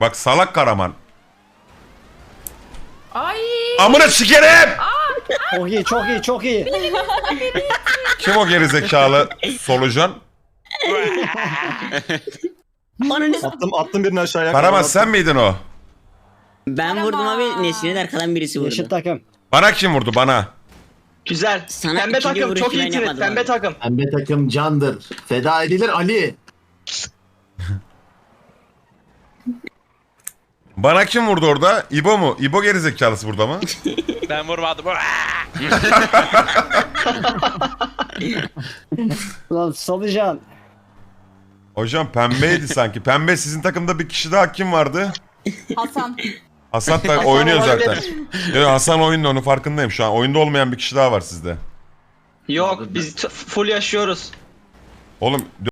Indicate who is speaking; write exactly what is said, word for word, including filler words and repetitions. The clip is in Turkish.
Speaker 1: Bak salak Karaman.
Speaker 2: Ay.
Speaker 1: Amına sikerim!
Speaker 3: Çok iyi, çok iyi, çok iyi.
Speaker 1: Kim o gerizekalı solucan?
Speaker 4: Attım attım birini aşağıya.
Speaker 1: Karaman sen miydin o?
Speaker 5: Ben vurdum abi, Nesrin'in arkadan birisi vurdu.
Speaker 3: Yeşil takım.
Speaker 1: Bana kim vurdu bana?
Speaker 6: Güzel.
Speaker 5: Sana
Speaker 6: Pembe
Speaker 5: ikinci
Speaker 6: takım
Speaker 5: vuruşu
Speaker 6: çok iyi
Speaker 5: ben
Speaker 6: trit.
Speaker 5: yapmadım
Speaker 6: Pembe
Speaker 5: abi.
Speaker 6: takım.
Speaker 7: Pembe takım candır. Feda edilir Ali.
Speaker 1: Bana kim vurdu orada? İbo mu? İbo gerizekalısı burada mı?
Speaker 8: Ben vurmadım.
Speaker 3: Ulan Salıcan.
Speaker 1: Hocam pembeydi sanki. Pembe sizin takımda bir kişi daha kim vardı?
Speaker 2: Hasan.
Speaker 1: Hasan da oynuyor zaten. Evet, Hasan oyunda, onun farkındayım şu an. Oyunda olmayan bir kişi daha var sizde.
Speaker 6: Yok biz t- full yaşıyoruz.
Speaker 1: Oğlum